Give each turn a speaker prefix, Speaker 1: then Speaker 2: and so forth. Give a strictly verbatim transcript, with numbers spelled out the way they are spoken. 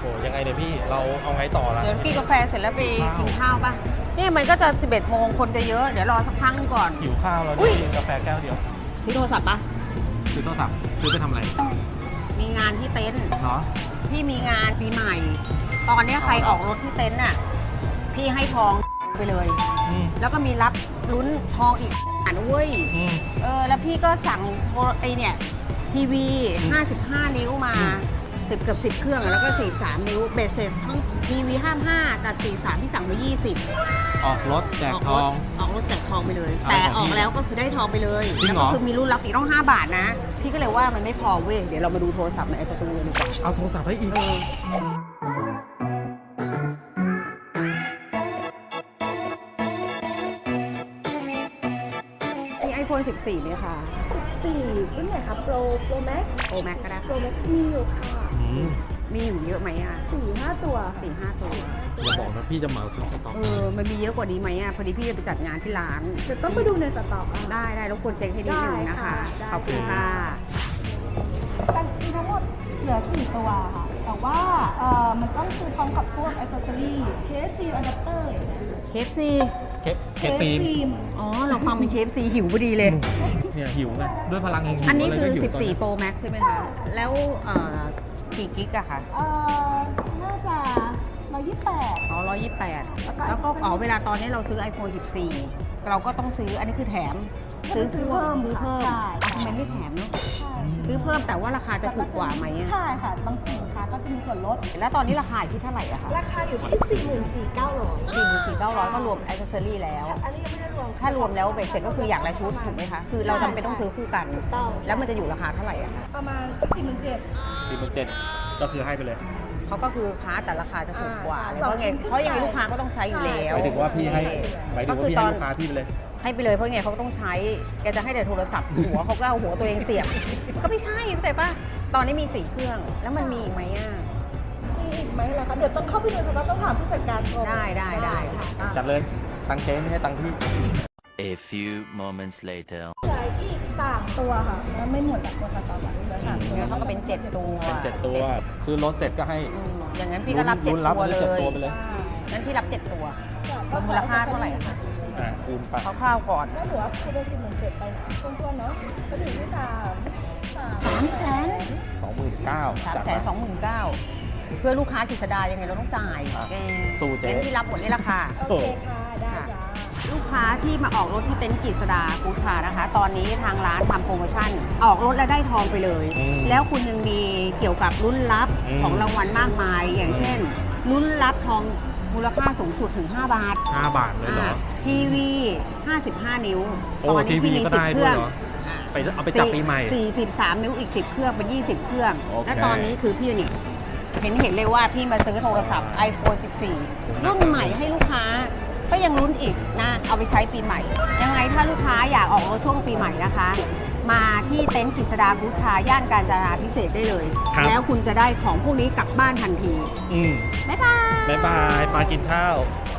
Speaker 1: โหยังไงเนี่ยพี่เราเอาไงต่อละ
Speaker 2: เดี๋ยวกินกาแฟเสร็จแล้วไปกินข้าวป่ะนี่มันก็จะสิบเอ็ดโมงคนจะเยอะเดี๋ยวรอสักพักนึงก่อน
Speaker 1: หิวข้าวแล้ว
Speaker 2: อุ๊ย
Speaker 1: กินกาแฟแก้วเดียว
Speaker 2: ซื้อโทรศัพท์ป่ะ
Speaker 1: ซื้อโทรศัพท์ซื้อไปทำอะไร
Speaker 2: มีงานที่เต็นท์
Speaker 1: เนาะ
Speaker 2: พี่มีงานปีใหม่ ตอนนี้ใครออกรถที่เต็นท์น่ะพี่ให้ทองไปเลย
Speaker 1: อืม
Speaker 2: แล้วก็มีรับลุ้นทองอีกอ่านเว้ย
Speaker 1: อืม
Speaker 2: เออแล้วพี่ก็สั่งโทรไอเนี่ยทีวี
Speaker 1: อืม
Speaker 2: ห้าสิบห้า นิ้วมาสิบเกือบสิบเครื่องอะแล้วก็สี่สิบสามนิ้วเบสเสร็จทั้งทีวีห้าสิบห้ากับสี่สิบสามที่สั่งไปยี่สิบ
Speaker 1: ออกรถแจกทอง
Speaker 2: ออกรถแจกทองไปเลย
Speaker 1: เอา
Speaker 2: แต่
Speaker 1: ของ
Speaker 2: อ
Speaker 1: พี่
Speaker 2: อกแล้วก็คือได้ทองไปเลย
Speaker 1: จริ
Speaker 2: แล้ว
Speaker 1: งเหร
Speaker 2: ก็
Speaker 1: อ
Speaker 2: คือมีรุ่นรับอีกต้องห้าบาทนะ พี่ก็เลยว่ามันไม่พอเว้ยเดี๋ยวเรามาดูโทรศัพท์ในไอสตูเลยดีกว่า
Speaker 1: เอาโทรศัพท์ให้อีก
Speaker 2: เออมี ไอโฟน สิบสี่ไหมคะ
Speaker 3: สี่รุ่นไหนครับโปรโปรแม็ก
Speaker 2: โอแม็กก็ได้
Speaker 3: โปรแม็กมีอยู่ค่ะ
Speaker 1: อืม
Speaker 2: มีอยู่เยอะไหมอ่ะ
Speaker 3: สี่ห้าตัว
Speaker 2: สี่ห้าตัว
Speaker 1: อย่าบอกนะพี่จะเหมาทั้งสต็อก
Speaker 2: เออ มันมีเยอะกว่านี้ไหมอ่ะ พอดีพี่จะไปจัดงานที่ร้าน
Speaker 3: จะต้องไปดูในสต็อกอะ
Speaker 2: ได้ได้รบกวนเช็คให้นิดนึงนะคะ
Speaker 3: ได้ค่ะ
Speaker 2: ขอบคุณค่ะ
Speaker 3: กันมีทั้งหมดเหลือสี่ตัวค่ะ แต่ว่าเอ่อมันต้องซื้อพร้อมกับพวกอ c เซสซอรี่เคสซีอะแดปเตอร์
Speaker 2: เค เอฟ ซี
Speaker 1: เคสเคสฟิล์ม
Speaker 3: ม
Speaker 2: อ๋อ เราฟังเป็น เค เอฟ ซี หิวพอดีเลย
Speaker 1: เนี่ยหิวไงด้วยพลังแห่งหิว
Speaker 2: อันนี้คือ
Speaker 1: ะไรก็หิวต
Speaker 2: สิบสี่ Pro Max ใช่ไหมคะ แล้วเอ่อกี่กิกอะคะ
Speaker 3: เอ่อน่าจะร้อยยี่สิบแปด
Speaker 2: อ๋อร้อยยี่สิบแปด
Speaker 3: แล้วก็
Speaker 2: แล้วก็อ๋อเวลาตอนนี้เราซื้อ iPhone สิบสี่ เราก็ต้องซื้อ อันนี้คือแถม ซื้อ
Speaker 3: ซื้อเพิ่ม
Speaker 2: ซื้อเพิ่ม
Speaker 3: ใช่
Speaker 2: อ่ะทำไมไม่แถมเนาะ
Speaker 3: ใช่
Speaker 2: ซื้อเพิ่มแต่ว่าราคาจะถูกกว่าไหมอะ
Speaker 3: ใช่ค่ะ บางสินค้าก็จะมีส่วนลด
Speaker 2: แล้วตอนนี้ราคาอยู่ที่เท่าไหร่อะคะ
Speaker 3: ราคาอยู่ที่ สี่หมื่นสี่พันเก้าร้อย
Speaker 2: สี่หมื่นสี่เก้าร้อยก็รวมอิเซอรี่แล้ว
Speaker 3: อันนี้ยังไม่ได้รวม
Speaker 2: ถ้ารวมแล้วเบ็ดเสร็จก็คืออย่างละชุดถูกไหมคะ คือเราจำเป็นต้องซื้อคู่กัน
Speaker 3: ถูกต้อง
Speaker 2: แล้วมันจะอยู่ราคาเท่าไหร่อะคะ
Speaker 3: ประมาณสี่หมื่นเจ็ด
Speaker 1: สี่หมื่นเจ็ดก็คือให้ไปเลย
Speaker 2: เขาก็คือค้าแต่ราคาจะถูกกว่า
Speaker 3: อ่า
Speaker 2: เลยเพราะไง
Speaker 3: สองชิ้นขึ้น
Speaker 2: เพราะยังไง
Speaker 3: ไป
Speaker 2: ลูกค้าก็ต้องใช้อยู่แล้ว
Speaker 1: หมายถึงว่าพี่ให้หมายถึงว่าพี่ให้ลูกค้าพี่ไปเลย
Speaker 2: ให้ไปเลยเพราะไงเขาต้องใช้ แกจะให้แต่โทรศัพท์หัวเขาก็เอาหัวตัวเองเสียบ ก็ไม่ใช่เข้าใจป่ะ ตอนนี้มีสี่เครื่อง แล้วมันมีอีกไหมอ่ะ
Speaker 3: มีอีกไหมล่ะคะเดี๋ยวต้องเข้าไปดูแต่ว่าต้องถามผู้จัดการก่อน
Speaker 2: ได้ได้ได้ค่ะ
Speaker 1: จัดเลยตังเจ๊ไม่ให้ตังพี่
Speaker 4: A few moments later.
Speaker 3: เหลืออีกสามตัวค่ะแล้วไม่หมดแบบตัวสต็อกอะเหลือสามตัว
Speaker 2: งั้นมันก็เป็นเจ็ดตัว
Speaker 1: เป็นเจ็ดตัวซื้อรถเสร็จก็ให้
Speaker 2: อืมอย่างนั้นพี่ก็รับเจ็ด
Speaker 1: ลุ้นรับ
Speaker 2: ตัวเล
Speaker 1: เจ็ด
Speaker 2: ย
Speaker 1: ตัวไปเลย
Speaker 2: งั้นพี่รับเจ็ดตัวมูลค่าเท่าไหร่อะคะ
Speaker 1: อ่าคูณไป
Speaker 2: คร่าวๆก่อน
Speaker 3: ก็เหลือคือเป็นสี่หมื่นเจ็ดไปทวนๆเนาะก็ถึงที่สามสาม
Speaker 2: สามแสน
Speaker 1: สองหมื่นเก้า
Speaker 2: สามแสนสองหมื่นเก้าเพื่อลูกค้ากฤษดายังไงเราต้องจ่าย
Speaker 1: อ่ะ
Speaker 2: แก
Speaker 1: สู้เจ๊
Speaker 2: เต็นท์ที่รับหมดนี่ราคา
Speaker 3: โอเคค่ะ ได้จ้า
Speaker 2: ลูกค้าที่มาออกรถที่เต็นท์กฤษดาฟู้ดคาร์นะคะ ตอนนี้ทางร้านทำโปรโมชั่น ออกรถแล้วได้ทองไปเลย
Speaker 1: อืม
Speaker 2: แล้วคุณยังมีเกี่ยวกับรุ่นลับ
Speaker 1: อืม
Speaker 2: ของรางวัลมากมาย อย่างเช่น รุ่นลับทองมูลค่าสูงสุดถึง ห้า บาท
Speaker 1: ห้าบาทเลยเหรอ
Speaker 2: อ่าทีวี ห้าสิบห้า นิ้ว
Speaker 1: โอ้
Speaker 2: ตอนนี้
Speaker 1: ทีวี
Speaker 2: พี่มี
Speaker 1: ก็
Speaker 2: สิบ
Speaker 1: ได้
Speaker 2: เค
Speaker 1: ด้ว
Speaker 2: รื่
Speaker 1: ย
Speaker 2: อง
Speaker 1: เหรอ ไปเอาไปจับปีใหม่
Speaker 2: สี่สิบสามนิ้วอีกสิบเครื่องเป็นยี่สิบเครื่อง
Speaker 1: โอเค
Speaker 2: และตอนนี้คือพี่นี่เห็นเห็นเลยว่าพี่มาซื้อโทรศัพท์ iPhone สิบสี่ รุ่นใหม่ให้ลูกค้า ก็ยังลุ้นอีกนะ เอาไปใช้ปีใหม่ ยังไงถ้าลูกค้าอยากออกรถช่วงปีใหม่นะคะ มาที่เต็นท์กฤษดาบูธคาร์ย่านการจนาพิเศษกได้เลย
Speaker 1: ครับ
Speaker 2: แล้วคุณจะได้ของพวกนี้กลับบ้านทันที
Speaker 1: อืม
Speaker 2: บ๊ายบาย
Speaker 1: บ๊ายบายปลากินข้าว
Speaker 2: บ